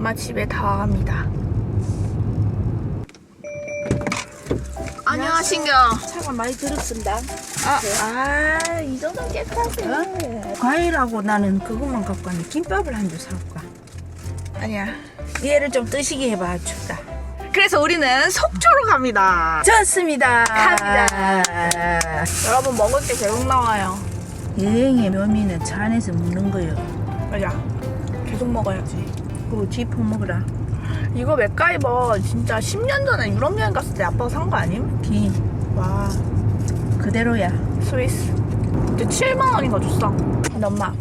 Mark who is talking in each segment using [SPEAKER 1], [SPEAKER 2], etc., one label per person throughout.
[SPEAKER 1] 엄마 집에 다 갑니다. 안녕하신겨.
[SPEAKER 2] 차가 많이 들었습니다.
[SPEAKER 1] 이 정도 깨끗하세요.
[SPEAKER 2] 과일하고 나는 그것만 갖고 왔네. 김밥을 한 줄 사올까?
[SPEAKER 1] 아니야.
[SPEAKER 2] 얘를 좀 뜨시게 해봐. 춥다.
[SPEAKER 1] 그래서 우리는 속초로 갑니다.
[SPEAKER 2] 좋습니다.
[SPEAKER 1] 갑니다. 여러분 먹을 게 계속 나와요.
[SPEAKER 2] 여행의 묘미는 차 안에서 먹는 거요.
[SPEAKER 1] 맞아. 계속 먹어야지.
[SPEAKER 2] 그거 쥐포 먹으라.
[SPEAKER 1] 이거 맥가이버 진짜 10년 전에 유럽 여행 갔을 때 아빠가 산 거 아님?
[SPEAKER 2] 기
[SPEAKER 1] 와,
[SPEAKER 2] 그대로야.
[SPEAKER 1] 스위스. 근데 7만 원인가 줬어. 근데 엄마,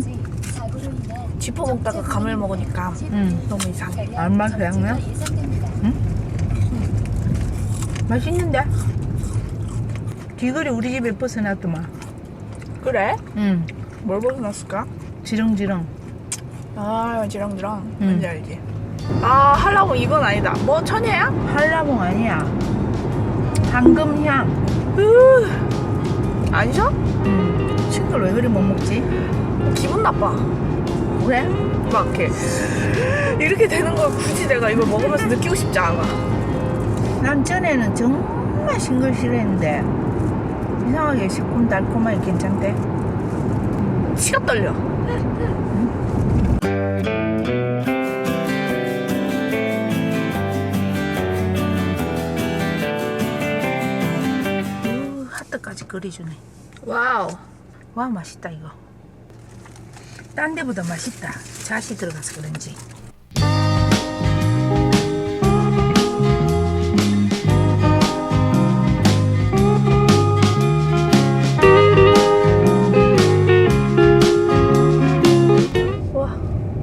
[SPEAKER 1] 쥐포 먹다가 감을 먹으니까
[SPEAKER 2] 응.
[SPEAKER 1] 너무 이상해.
[SPEAKER 2] 얼마 그냥요? 응? 맛있는데? 귀걸이 우리 집에 벗어놨더만.
[SPEAKER 1] 그래?
[SPEAKER 2] 응.
[SPEAKER 1] 뭘 벗어났을까?
[SPEAKER 2] 지렁지렁.
[SPEAKER 1] 아, 지렁지렁.
[SPEAKER 2] 응.
[SPEAKER 1] 뭔지 알지? 아, 하려고 이건 아니다. 뭐 천혜야?
[SPEAKER 2] 한라봉 아니야. 황금향.
[SPEAKER 1] 아니죠?
[SPEAKER 2] 응. 친구를 왜 그리 못 먹지?
[SPEAKER 1] 기분 나빠.
[SPEAKER 2] 왜?
[SPEAKER 1] 막 이렇게 되는 걸 굳이 내가 이걸 먹으면서 느끼고 싶지 않아.
[SPEAKER 2] 난 전에는 정말 싱글 싫어했는데 이상하게 새콤달콤하게 괜찮대.
[SPEAKER 1] 치가 떨려.
[SPEAKER 2] 하트까지 그려주네.
[SPEAKER 1] 와우.
[SPEAKER 2] 와 맛있다 이거. 딴 데보다 맛있다. 잣이 들어가서 그런지.
[SPEAKER 1] 와.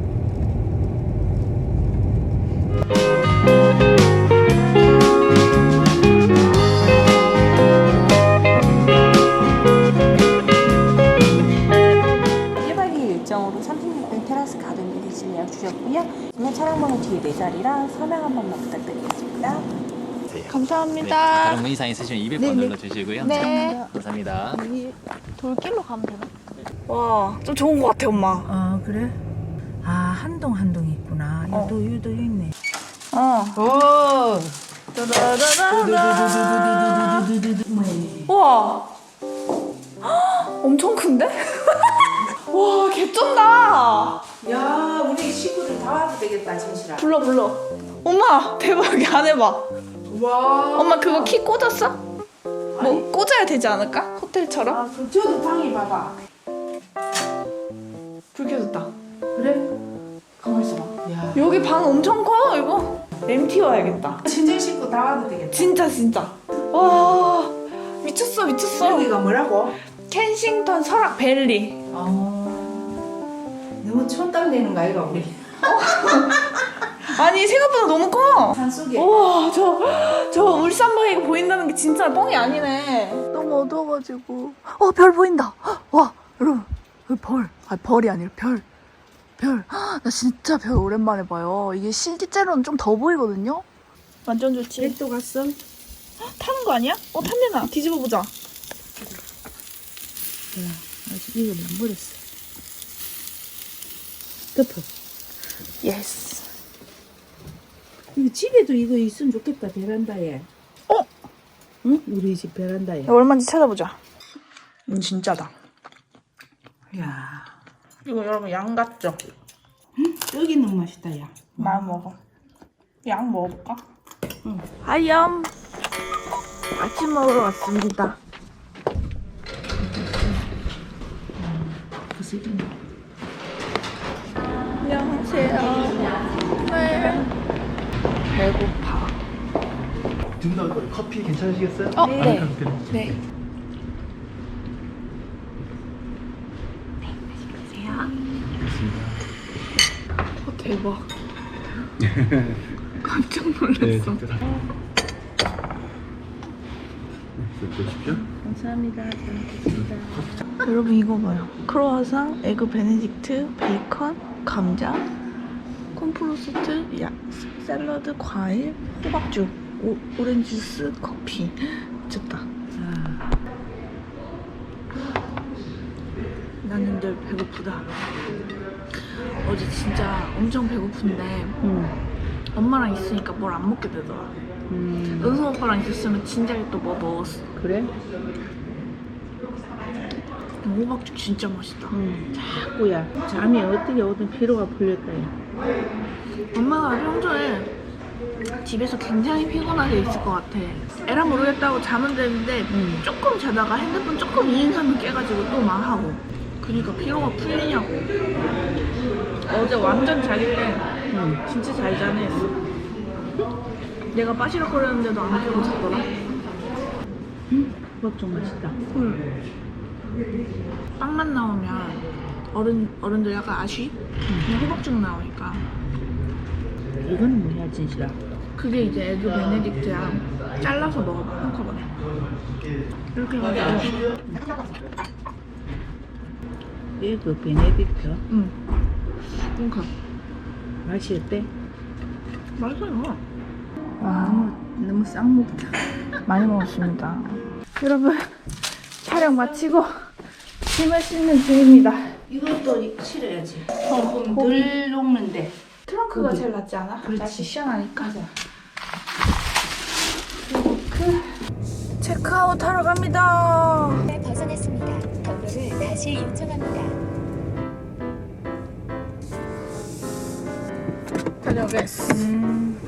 [SPEAKER 3] 일정으로 36등 테라스 가든 빌리지 예약 주셨고요. 오늘 차량 번호 뒤에 4자리랑 서명 한 번만 부탁드리겠습니다.
[SPEAKER 1] 감사합니다.
[SPEAKER 4] 다른 문의사항 있으시면 200번 눌러주시고요.
[SPEAKER 1] 네.
[SPEAKER 4] 감사합니다.
[SPEAKER 1] 돌길로 가면 되나? 와, 좀 좋은 것 같아, 엄마.
[SPEAKER 2] 아 그래? 아 한동 한동 있구나. 유도 있네.
[SPEAKER 1] 오. 우와. 헉, 엄청 큰데? 와, 개쩐다.
[SPEAKER 2] 야 우리 식구들 다 와도 되겠다 진실아.
[SPEAKER 1] 불러. 엄마, 대박. 안 해봐.
[SPEAKER 2] 와.
[SPEAKER 1] 엄마, 그거 키 꽂았어? 뭐, 꽂아야 되지 않을까? 호텔처럼?
[SPEAKER 2] 아 그럼 저도 방에 봐봐.
[SPEAKER 1] 불 켜졌다.
[SPEAKER 2] 그래?
[SPEAKER 1] 가만 있어봐.
[SPEAKER 2] 야.
[SPEAKER 1] 여기 방 엄청 커, 이거. MT 와야겠다.
[SPEAKER 2] 친정 식구 다 와도 되겠다.
[SPEAKER 1] 진짜. 와, 미쳤어.
[SPEAKER 2] 여기가 뭐라고?
[SPEAKER 1] 켄싱턴 설악 밸리.
[SPEAKER 2] 너무 촌땀 되는 거 아이가 우리?
[SPEAKER 1] 아니, 생각보다 너무 커.
[SPEAKER 2] 산속에.
[SPEAKER 1] 우와, 저 울산바위가 보인다는 게 진짜 뻥이 아니네. 너무 어두워가지고. 별 보인다. 와, 여러분, 여기 벌. 벌이 아니라 별. 나 진짜 별 오랜만에 봐요. 이게 실제로는 좀 더 보이거든요? 완전 좋지.
[SPEAKER 2] 백도 갔어?
[SPEAKER 1] 타는 거 아니야? 탄대나. 뒤집어 보자.
[SPEAKER 2] 아직 이거 안 버렸어. 덮어.
[SPEAKER 1] 예스.
[SPEAKER 2] 이거 집에도 이거 있으면 좋겠다 베란다에. 응? 우리 집 베란다에.
[SPEAKER 1] 얼마인지 찾아보자. 진짜다.
[SPEAKER 2] 야,
[SPEAKER 1] 이거 여러분 양 같죠?
[SPEAKER 2] 떡이 너무 맛있다 야.
[SPEAKER 1] 많이 먹어. 양 먹어볼까? 응. 하염. 아침 먹으러 왔습니다.
[SPEAKER 2] 부스러기.
[SPEAKER 1] 안녕하세요. 네. 배고파.
[SPEAKER 5] 두분다 커피 괜찮으시겠어요?
[SPEAKER 1] 네.
[SPEAKER 5] 아메리카노 드립니다.
[SPEAKER 1] 네. 대박. 깜짝 놀랐어.
[SPEAKER 5] 네, 직접 다. 드십시오.
[SPEAKER 2] 감사합니다. 잘 먹겠습니다.
[SPEAKER 1] 여러분 이거 봐요. 크로와상, 에그 베네딕트, 베이컨, 감자, 콘프로스트, 샐러드, 과일, 호박죽, 오렌지 주스, 커피. 미쳤다. 나는 늘 배고프다. 어제 진짜 엄청 배고픈데 엄마랑 있으니까 뭘 안 먹게 되더라. 은수 오빠랑 있었으면 진짜 또 뭐 먹었어.
[SPEAKER 2] 그래?
[SPEAKER 1] 호박죽 진짜 맛있다.
[SPEAKER 2] 자꾸야. 잠이 어떻게 오든 피로가 풀렸다. 야.
[SPEAKER 1] 엄마가 평소에 집에서 굉장히 피곤하게 있을 것 같아. 에라 모르겠다고 잠은 드는데 조금 자다가 핸드폰 조금 이행하면 깨가지고 또 막 하고. 그러니까 피로가 풀리냐고. 어제 완전 자기 때 진짜 잘 자네. 내가 빠시락거렸는데도 안 깨고 잤더라.
[SPEAKER 2] 호박죽 맛있다.
[SPEAKER 1] 빵만 나오면 어른들 약간 아쉬? 그냥 호박죽 나오니까.
[SPEAKER 2] 이거는 뭐야 진실아?
[SPEAKER 1] 그게 이제 에그 베네딕트야. 잘라서 먹어봐 한꺼번에. 이렇게 해가지고.
[SPEAKER 2] 에그 베네딕트?
[SPEAKER 1] 응. 그러니까
[SPEAKER 2] 맛이 어때?
[SPEAKER 1] 맛있어요.
[SPEAKER 2] 와 너무 싹 먹다.
[SPEAKER 1] 많이 먹었습니다. 여러분 촬영 마치고 짐을 싣는 중입니다.
[SPEAKER 2] 이것도 실어야지. 조금 덜 녹는데.
[SPEAKER 1] 트렁크가 제일 낫지 않아?
[SPEAKER 2] 그렇지.
[SPEAKER 1] 날씨 시원하니까. 체크아웃 하러 갑니다.
[SPEAKER 6] 네, 벗어났습니다. 경로를 다시 요청합니다.
[SPEAKER 1] 다녀오겠습니다.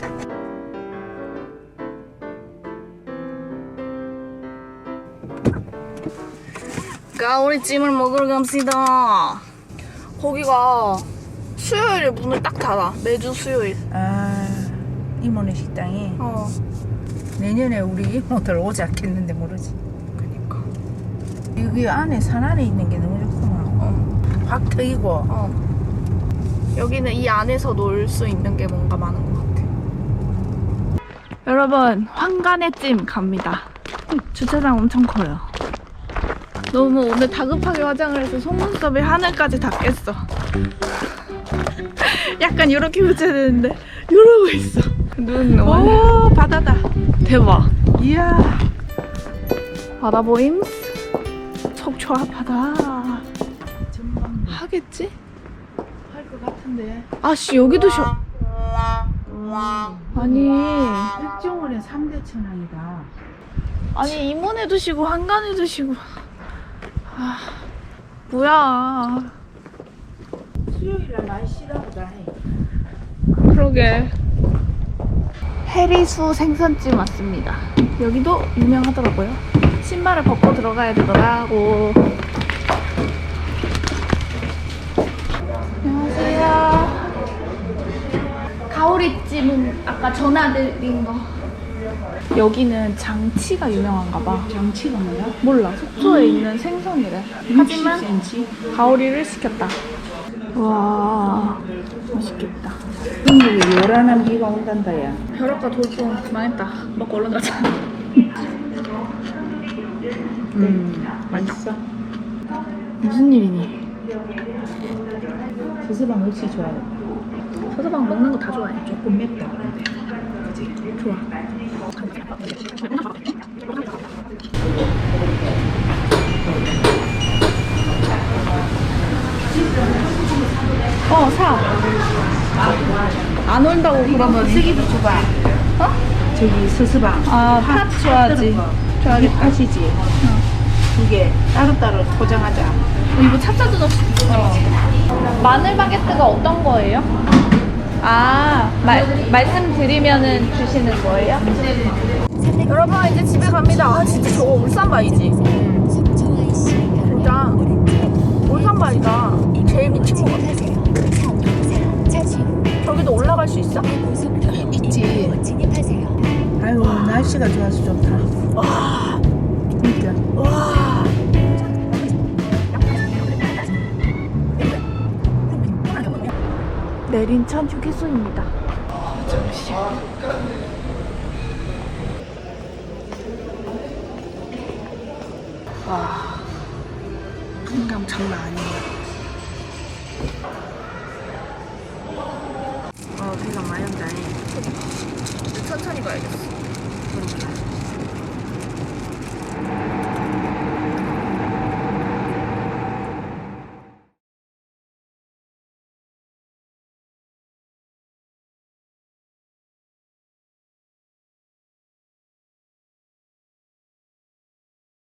[SPEAKER 1] 가오리찜을 먹으러 갑시다. 거기가 수요일에 문을 딱 닫아. 매주 수요일.
[SPEAKER 2] 아 이모네 식당이
[SPEAKER 1] 어.
[SPEAKER 2] 내년에 우리 이모들 오지 않겠는데 모르지. 그니까 여기 안에 산 안에 있는 게 너무 좋구만. 확 트이고.
[SPEAKER 1] 어. 여기는 이 안에서 놀 수 있는 게 뭔가 많은 것 같아. 여러분, 황간의 찜 갑니다. 주차장 엄청 커요. 너무 오늘 다급하게 화장을 해서 속눈썹이 하늘까지 닿겠어. 약간 이렇게 붙여야 되는데 이러고 있어. 눈 오, 바다다. 대박. 이야. 바다 보임? 속초아 바다. 하겠지?
[SPEAKER 2] 할 것 같은데.
[SPEAKER 1] 아씨 여기도 쉬어. 아니
[SPEAKER 2] 백종원의 3대 천왕이다.
[SPEAKER 1] 아니 임원에도 쉬고 한간에도 쉬고. 아 뭐야.
[SPEAKER 2] 수요일날 많이 쉬다 보다 해.
[SPEAKER 1] 그러게. 해리수 생선찜 왔습니다. 여기도 유명하더라고요. 신발을 벗고 들어가야 되더라고. 안녕하세요. 가오리찜은 아까 전화드린 거. 여기는 장치가 유명한가 봐.
[SPEAKER 2] 장치가 뭐야?
[SPEAKER 1] 몰라. 속초에 있는 생선이래. 하지만
[SPEAKER 2] 60cm?
[SPEAKER 1] 가오리를 시켰다. 와 맛있겠다.
[SPEAKER 2] 중국에 요란한 비가 온단다 야.
[SPEAKER 1] 벼락과 돌풍 망했다. 먹고 얼른 가자.
[SPEAKER 2] 맛있어.
[SPEAKER 1] 무슨 일이니?
[SPEAKER 2] 수수방 역시 좋아해.
[SPEAKER 1] 서서방 먹는 거 다 좋아해.
[SPEAKER 2] 조금 맵다. 그지?
[SPEAKER 1] 좋아. 사. 안 온다고 그러면.
[SPEAKER 2] 쓰기도 줘봐.
[SPEAKER 1] 어?
[SPEAKER 2] 저기 수수방.
[SPEAKER 1] 아, 팥 줘야지. 줘야겠다.
[SPEAKER 2] 팥이지. 두 개 따로따로 포장하자.
[SPEAKER 1] 이거 찹쌀도 없이. 마늘 바게트가 어떤 거예요? 아, 말씀드리면은 주시는 거예요? 여러분 이제 집에 갑니다. 아 진짜 저거 울산바이지? 진짜 울산바이다. 제일 미친 거 같아. 저기도 올라갈 수 있어?
[SPEAKER 2] 있지. 아유 날씨가 좋아서 좋다.
[SPEAKER 1] 와,
[SPEAKER 2] 진짜.
[SPEAKER 1] 와. 내린 천 휴게소입니다. 잠시만. 와, 풍감 장난 아니에요. 대장 많이 한다니. 천천히 가야겠어.